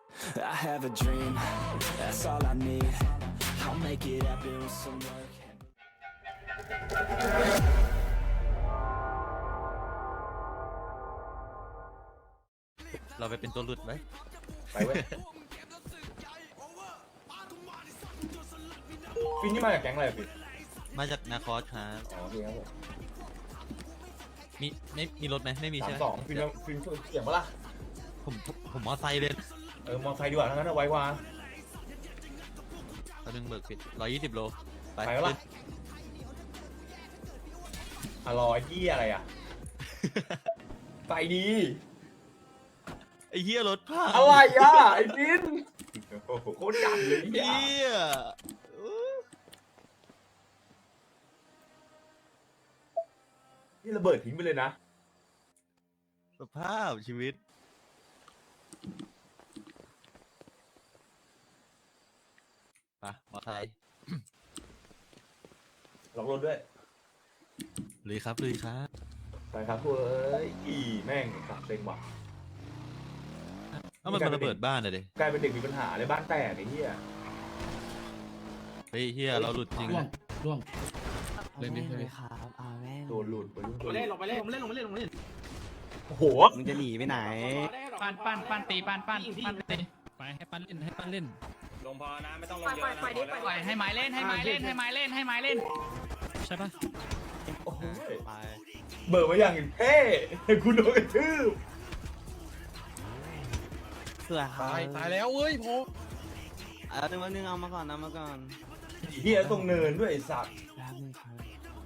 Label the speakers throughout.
Speaker 1: I have a dream, that's all I need. I'll make it happen with some work.
Speaker 2: เราไปเป็นตัวหลุดไหม
Speaker 3: ไปเว้ยฟินนี่มาจากแก๊งอะไรอะฟิน
Speaker 2: มาจากนาคอสครับ
Speaker 3: อ๋อโอเคครับผม
Speaker 2: มีรถไหมไม่มีใช่ไหม
Speaker 3: 32ฟินเสียงปะล่ะ
Speaker 2: ผมมอไซค์เลย
Speaker 3: มอไซค์ดีกว่าทั้งนั้นเอาไว้ว่า
Speaker 2: ตอนนึงเบิกปิด120 โล
Speaker 3: ไปแล้วล่ะอร่อยที่อะไรอ่ะ ไปดี
Speaker 2: ไอ้เหี้ยรถพัง
Speaker 3: อะไรอ่ะไอ้ฟินโคตรจังเลย
Speaker 2: เหี้
Speaker 3: เนี่ย
Speaker 2: ย
Speaker 3: นี่ระเบิดทิ้งไปเลยนะ
Speaker 2: สภาพชีวิตไปมอไซค์
Speaker 3: ล็อกรถด้วย
Speaker 2: ลุยครับลุยครับ
Speaker 3: ไปครับเว้ยแม่งสับเซ็งว่ะ
Speaker 2: เอ้ามันระเบิดบ้านเลยดิ
Speaker 3: กลายเป็นเด็กมีปัญหาเลยบ้านแตกไอ้เหี้ย
Speaker 2: เฮ้ยเหี้ยเราหลุดจริง
Speaker 4: ร่วง
Speaker 5: เล่นดิเล่นดิ
Speaker 4: ครับเอาแม่ง
Speaker 3: โดนหลุดไปรุ่นตัว
Speaker 6: เล่นลงไปเล่นลงไปเล่นลงไปเล่นลงไปเล่น
Speaker 3: โอ้โห
Speaker 4: มึงจะหนีไปไหน
Speaker 6: ปั้นตีปั้นตี
Speaker 5: ไปให้ปั้นเล่นให้ปั้นเล่น
Speaker 7: ลงพอนะไม่ต้องลง
Speaker 6: ปล่อย
Speaker 7: เยอะนะ
Speaker 6: ปล่อยดิปล่อยให้ไม้เล่นให้ไม้เล่นให้ไม้เล่นให้ไม้เล่น
Speaker 5: ใช่ปะ
Speaker 3: โอ้โห
Speaker 2: ไป
Speaker 3: เบิร์มาอย่างเท่คุณโดนกระทืบ
Speaker 4: เสือครับ
Speaker 5: ตายแล้วเว้ยโพ
Speaker 4: เอาหนึ่งวันหนึ่งเอามาก่อนนะมาก่อน
Speaker 3: เหี้ยตรงเนินด้วยไอ้สัตว์
Speaker 4: แป๊บนึงครับ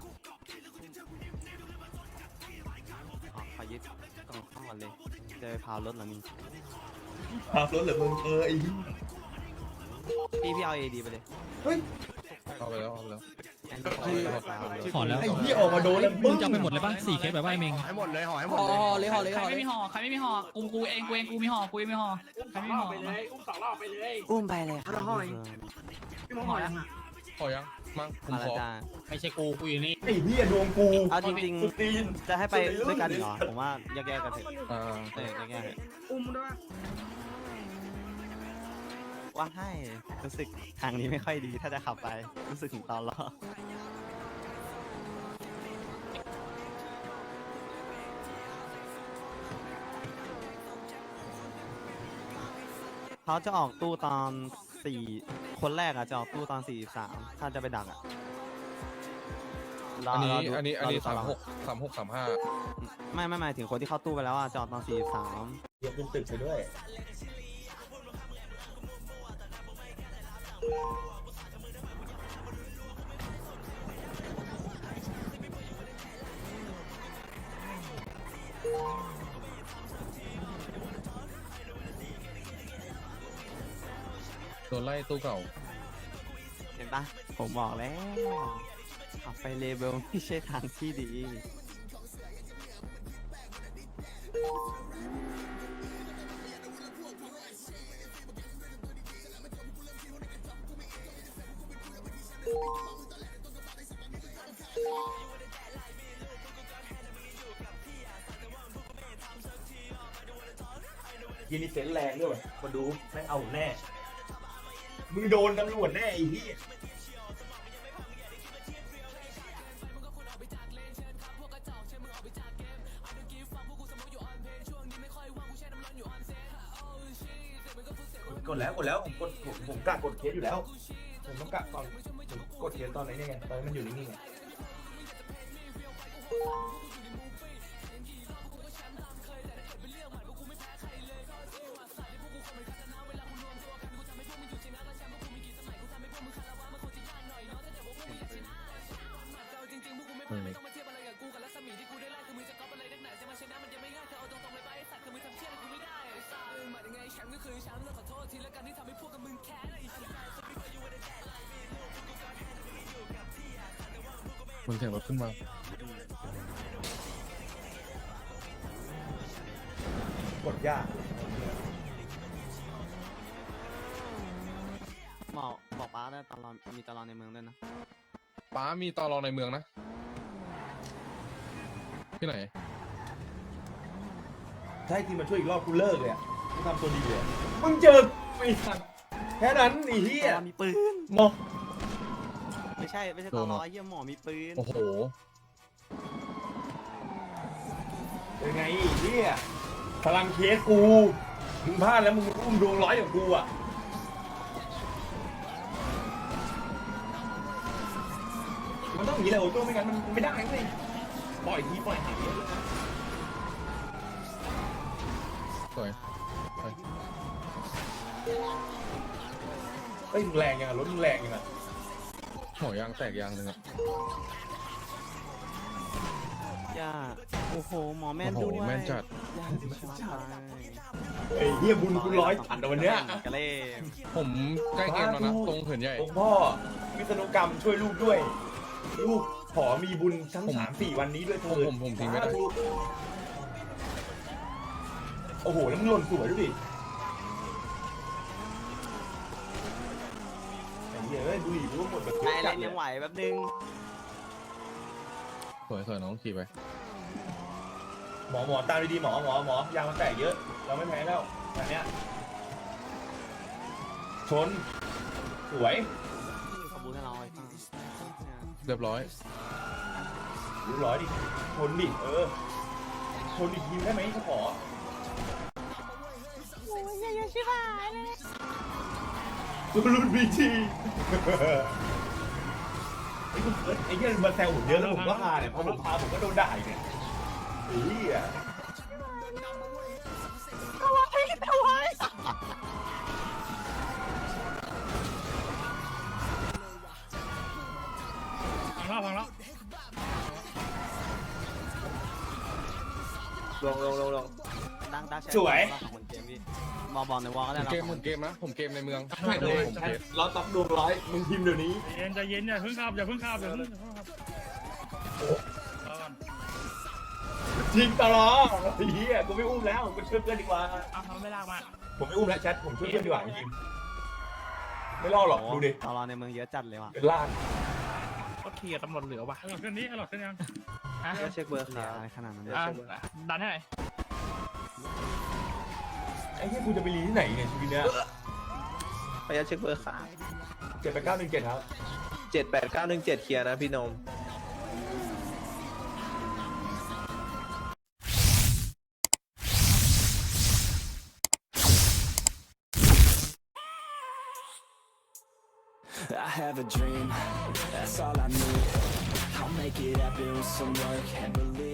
Speaker 4: ขอยึดกล่องข้างก่อนเลยจะไปพาวรถเหรอนี่
Speaker 3: ขับรถเหรือมึงไอ้
Speaker 4: พี่เอาเอดีไปเลย
Speaker 3: เฮ้ย
Speaker 5: เอาไปแล้วเอาไปแล้ว
Speaker 4: อันนี้พาวเลย
Speaker 5: ขอแล้ว
Speaker 3: ไอ้เหี้ยออกมาโดนแล้ว
Speaker 5: มึงจะเอาไปหมดเลยปะ4 เคสแบบว่าไอ้เมง
Speaker 6: ใครไม่มีห่อใครไม่มีห่อกูเองกูมีห่อกูมีห่อใครไม่มีห่อ
Speaker 7: ไปเลยอุ้ม2 รอบไปเลย
Speaker 4: อุ้มไปเลยครับ
Speaker 6: พี่มองห่อยังอ่ะ
Speaker 5: ขอยังมั้งผม
Speaker 4: มา
Speaker 5: ข
Speaker 4: แล้ว
Speaker 5: อ
Speaker 4: จ้า
Speaker 6: ไม่ใช่กูอยู่นี่
Speaker 3: ไอ้เหี้ยดวงกู
Speaker 4: เอาจริง
Speaker 3: สุดตีน
Speaker 4: ๆจะให้ไปด้วยกันเหรอผมว่าแยกๆกันเถอะ
Speaker 5: อ่า
Speaker 4: แยกๆ
Speaker 6: อุ้มด้วย
Speaker 4: ว่าให้รู้สึกทางนี้ไม่ค่อยดีถ้าจะขับไปรู้สึกถึงตอนล้อเขาจะออกตู้ตอนคนแรกอะจะออกตู้ตอน43ถ้าจะไปดักอะร
Speaker 5: อันนี้
Speaker 4: รดู
Speaker 5: อันนี้
Speaker 4: รดูตลด
Speaker 5: 36 35
Speaker 4: ไม่หมายถึงคนที่เข้าตู้ไปแล้วอะจะออกตอน43
Speaker 3: เหี้ยขึ้นตึกไปด้วย
Speaker 5: โดนไล่ตู้เก่า
Speaker 4: เห็นปะผมบอกแล้วขับไปเลเวลไม่ใช่ทางที่ดี
Speaker 3: ยีนี่เซนแรงด้วยมาดูแม่งเอาแน่ มึงโดนตำรวจแน่ไอ้เหี้ยกดแล้วผมกะกดเคสอยู่แล้ว ผมต้องกะตอนผมกดเคสตอนไหนเนี่ยไงตอนนี้มันอยู่นิ่งๆไง
Speaker 5: มึงเสียงรถขึ้นมา
Speaker 3: กดยาก
Speaker 4: บอกป้าได้ตลอดมีตลอดในเมืองด้วยนะ
Speaker 5: ป้ามีตอรอในเมืองนะ ที่ไหน
Speaker 3: ถ้าให้ทีมมาช่วยอีกรอบกูเลิกเลยอ่ะมึงทำตัวดีเลยมึงเจอไอ้สัตว์แค่นั้นไอ้เหี้ย
Speaker 4: ตอมีปืน
Speaker 3: มอง
Speaker 4: ไม่ใช่ตอรอเยี่ยหมอมีปืน
Speaker 5: โอ้โห
Speaker 3: เป็นไงไอ้เหี้ยพลังเคสกูมึงพลาดแล้วมึงอุ้มดวงร้อยอย่างกูอ่ะมันต้องอย่างนี้แหละโอ้โจ้ไม่งั้นมันไม่ได้สิปล่อยทีปล่อยหางเยอะเลยนะ
Speaker 5: สวย
Speaker 3: เฮ้ยมึงแรงยังอ่ะรถมึงแรงยังอ่ะ
Speaker 5: หัวยางแตกยางหนึ่งอะ
Speaker 4: ย่าโอ้โหหมอแม่น
Speaker 5: โอ้โห
Speaker 4: ด้วย
Speaker 5: แม่นจัด
Speaker 4: ย่าชอบไป
Speaker 3: เฮ้ยเหี้ยบุญกูร้อยตัดเอาวันเนี้ย
Speaker 4: กะเล่
Speaker 5: ผมใกล้เกมแล้วนะ ตรงเหินใหญ่
Speaker 3: หลวงพ่อวิษณุกรรมช่วยลูกด้วย ลูกขอมีบุญทั้ง
Speaker 5: ผม
Speaker 3: 3-4 วันนี้ด้วยเถิด
Speaker 5: ผมทิ้งไม่ได้
Speaker 3: สาธุโอ้โหแล้วมึงหล่นสวยดูดิไอ้เหี้ยเอ้ยดูดิรู้ว่าหมดแบบ
Speaker 4: นาย
Speaker 3: จั
Speaker 4: เล่
Speaker 3: ด
Speaker 4: น
Speaker 3: เล
Speaker 4: ยั
Speaker 3: ย
Speaker 4: งไหวแป๊บนึง
Speaker 5: สวยน้องขี่ไป
Speaker 3: หมอตามดีๆหมอยางมันแตกเยอะ เราไม่แพ้แล้วอันเนี้ยชนสวย
Speaker 4: ขบูให้เราไอ้ฟัง
Speaker 5: เรียบร้อย
Speaker 3: รู้ร้อยดิชนดิชนอีกทีได้ไหมเขาขอรุ่นบีจีไอ้เหี้ยมาแซวผมเยอะแล้วผมก็ฮาเนี่ยพอผมพาผมก็โดนด่าอีกเนี่ยไอ้เหี้ย
Speaker 7: พังแล้ว
Speaker 4: ดังแชร์
Speaker 3: สวย
Speaker 4: ของเกมพี่มอบอลในวอลก็
Speaker 5: ผ
Speaker 4: ได้
Speaker 5: ม
Speaker 4: เรา
Speaker 5: เกมนะ ผมเกมในเมือง
Speaker 3: ใช่เลย
Speaker 5: ผมเกม
Speaker 3: เราตับดวงร้อยมึงพิมพ์เดี๋ยวนี้
Speaker 7: ใจเย็นอย่าเพิ่งขับอย่าเพิ่งขับอย่าเพิ่งขับ
Speaker 3: จริงตลอดไอ้เหี้ยกูไม่อุ้มแล้วกูช่วยเพื่อนดีกว่า
Speaker 7: อ้าวทำไม่ลากมา
Speaker 3: ผมไม่อุ้มแล้วแชทผมช่วยเพื่อนดีกว่าจริงๆไม่รอดหรอกดูดิ
Speaker 4: ตอรอในเมืองเยอะจัดเลยว่ะ
Speaker 3: เป็นล่าง
Speaker 7: ก็เคลียร์ตำรวจเหลือว่ะหลอดขึ้นนี้หลอดขึ้นยังฮะ
Speaker 4: เช็คเบอร์ขาอะไรขนาดนั้น
Speaker 7: ดันให้หน่อย
Speaker 3: ไอ้เหี้ยกูจะไปรีที่ไหนเนี่ยชีวิตเนี้ย
Speaker 8: พยาเช็คเบอร์ขา
Speaker 3: 78917ครับ
Speaker 8: 78917เคลียร์นะพี่นม
Speaker 1: I have a dream, that's all I need. I'll make it happen with some work and believe